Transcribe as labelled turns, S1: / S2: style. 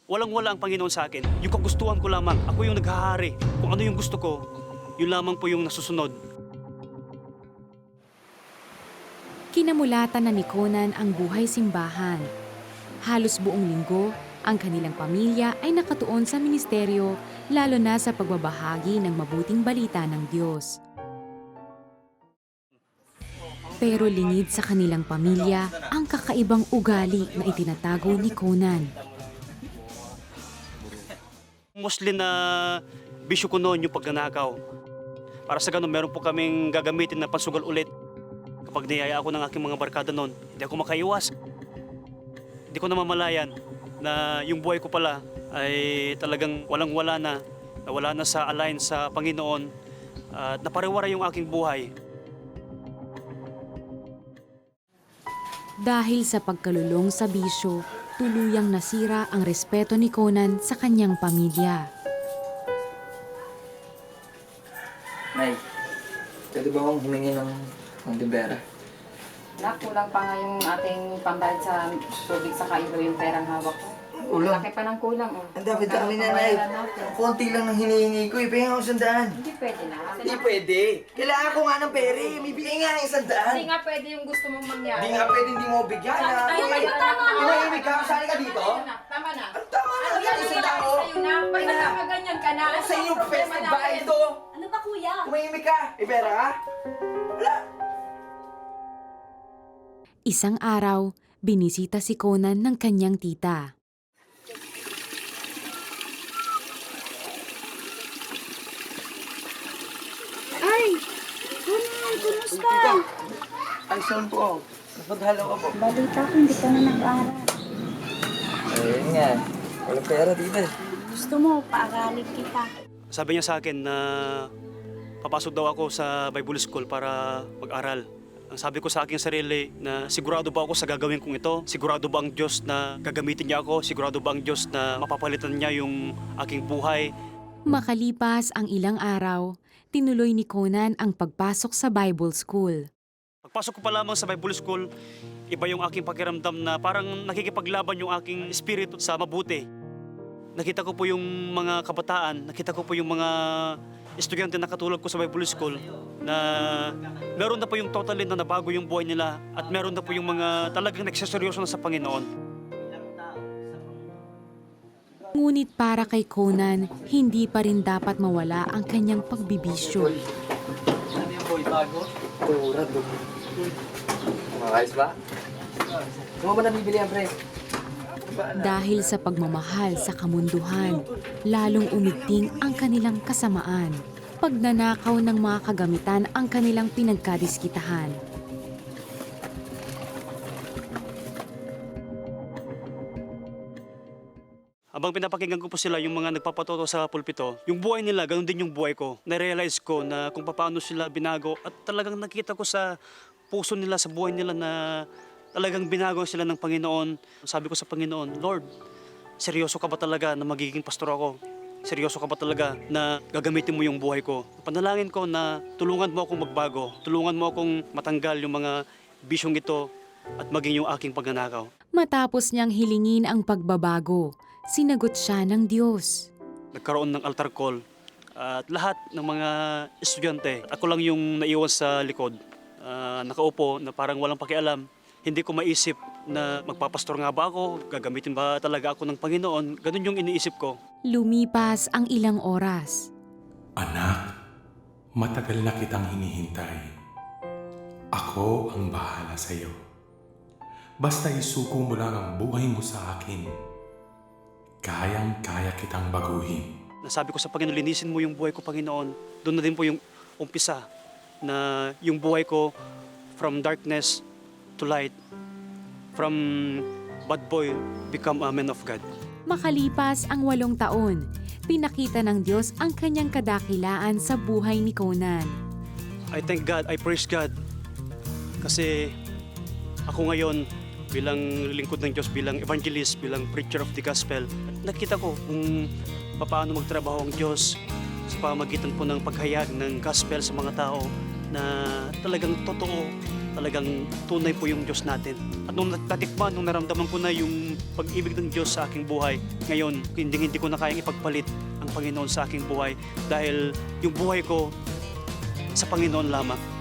S1: Walang-wala ang Panginoon sa akin. Yung kagustuhan ko lamang. Ako yung naghahari. Kung ano yung gusto ko, yun lamang po yung nasusunod.
S2: Kinamulatan na ni Conan ang buhay simbahan. Halos buong linggo, ang kanilang pamilya ay nakatuon sa ministeryo, lalo na sa pagbabahagi ng mabuting balita ng Diyos. Pero lingid sa kanilang pamilya ang kakaibang ugali na itinatago ni Conan.
S1: Mostly na bisyo ko noon yung pagnanakaw. Para sa ganun, meron po kaming gagamitin na pansugal ulit. Kapag niyaya ako ng aking mga barkada noon, hindi ako makaiwas. Hindi ko namamalayan na yung buhay ko pala ay talagang walang-wala na wala na sa align sa Panginoon at napariwara yung aking buhay.
S2: Dahil sa pagkalulong sa bisyo, tuluyang nasira ang respeto ni Conan sa kanyang pamilya.
S3: Nay, pwede ba akong humingi ng libera?
S4: Nak, kulang pa nga yung ating pambayad sa tubig sa kaibo yung perang hawak ko.
S3: Kulang.
S4: Laki pa ng kulang. Oh.
S3: Ang dapat sa amin na, Nay.
S4: Pambayaran natin.
S3: Konti lang ng hinihingi ko. Ipahinga ako 100.
S4: Hindi pwede na.
S3: Hindi pwede. Kailangan ko nga ng pere. May bigay nga ng 100.
S4: Hindi nga pwede yung gusto mong mangyari.
S3: Hindi nga pwede hindi mo bigyan.
S4: Tayo kayo, tama na.
S3: Tumahimik ka. Kasali ka dito?
S4: Tama na.
S3: Ano tama na?
S4: Ano yan
S3: Yan,
S4: yung
S3: tao.
S4: sa'yo na? Pag nakakaganyan ka na.
S3: Ano sa inyo?
S4: problema
S3: Festive
S4: natin?
S3: bahay to.
S5: Ano ba, kuya?
S3: Tumahimik ka. Ibera ka? Wala.
S2: Isang araw, binisita si Conan ng kanyang tita.
S5: Ay! Conan, kumusta?
S3: Ay, saan po? Nagpadhalaw ka po.
S5: Balita ko, hindi ka na nag-aaral.
S3: Ayun nga. Walang pera dito.
S5: Gusto mo, paaralin kita.
S1: Sabi niya sa akin na papasok daw ako sa Bible School para mag-aral. Ang sabi ko sa aking sarili na sigurado ba ako sa gagawin kong ito? Sigurado ba ang Diyos na gagamitin niya ako? Sigurado ba ang Diyos na mapapalitan niya yung aking buhay?
S2: Makalipas ang ilang araw, tinuloy ni Conan ang pagpasok sa Bible School.
S1: Pagpasok ko pa lamang sa Bible School, iba yung aking pakiramdam na parang nakikipaglaban yung aking espiritu sa mabuti. Nakita ko po yung mga kabataan, nakita ko po yung mga estudyante na katulad ko sa Bible School na meron na po yung totally na nabago yung buhay nila at meron na po yung mga talagang nagseseryoso na sa Panginoon.
S2: Ngunit para kay Conan, hindi pa rin dapat mawala ang kanyang pagbibisyo.
S3: Ano yung boy? Bago? Turad. Makakayos ba? Kung mo na bibili ang pre?
S2: Dahil sa pagmamahal sa kamunduhan, lalong umigting ang kanilang kasamaan. Pagnanakaw ng mga kagamitan ang kanilang pinagkadiskitahan.
S1: Habang pinapakinggan ko po sila yung mga nagpapatoto sa pulpito, yung buhay nila, ganun din yung buhay ko. Na-realize ko na kung paano sila binago at talagang nakita ko sa puso nila, sa buhay nila na talagang binago sila ng Panginoon. Sabi ko sa Panginoon, Lord, seryoso ka ba talaga na magiging pastor ako? Seryoso ka ba talaga na gagamitin mo yung buhay ko? Panalangin ko na tulungan mo akong magbago, tulungan mo akong matanggal yung mga bisyong ito at maging yung aking pagnanakaw.
S2: Matapos niyang hilingin ang pagbabago, sinagot siya ng Diyos.
S1: Nagkaroon ng altar call at lahat ng mga estudyante, ako lang yung naiwan sa likod. Nakaupo na parang walang pakialam. Hindi ko maisip na magpapastor nga ba ako, gagamitin ba talaga ako ng Panginoon. Ganun yung iniisip ko.
S2: Lumipas ang ilang oras.
S6: Anak, matagal na kitang hinihintay. Ako ang bahala sa iyo. Basta isuko mo lang ang buhay mo sa akin. Kayang-kaya kitang baguhin.
S1: Nasabi ko sa Panginoon, linisin mo yung buhay ko, Panginoon. Doon na din po yung umpisa na yung buhay ko from darkness to light, from bad boy become a man of God.
S2: Makalipas ang 8 taon, pinakita ng Diyos ang kanyang kadakilaan sa buhay ni Conan.
S1: I thank God, I praise God. Kasi ako ngayon bilang lingkod ng Diyos, bilang evangelist, bilang preacher of the gospel, nakita ko kung paano magtrabaho ang Diyos sa pamagitan po ng paghayag ng gospel sa mga tao na talagang totoo talagang tunay po yung Diyos natin. At nung natikman, nung naramdaman ko na yung pag-ibig ng Diyos sa aking buhay, ngayon, hindi ko na kayang ipagpalit ang Panginoon sa aking buhay dahil yung buhay ko sa Panginoon lamang.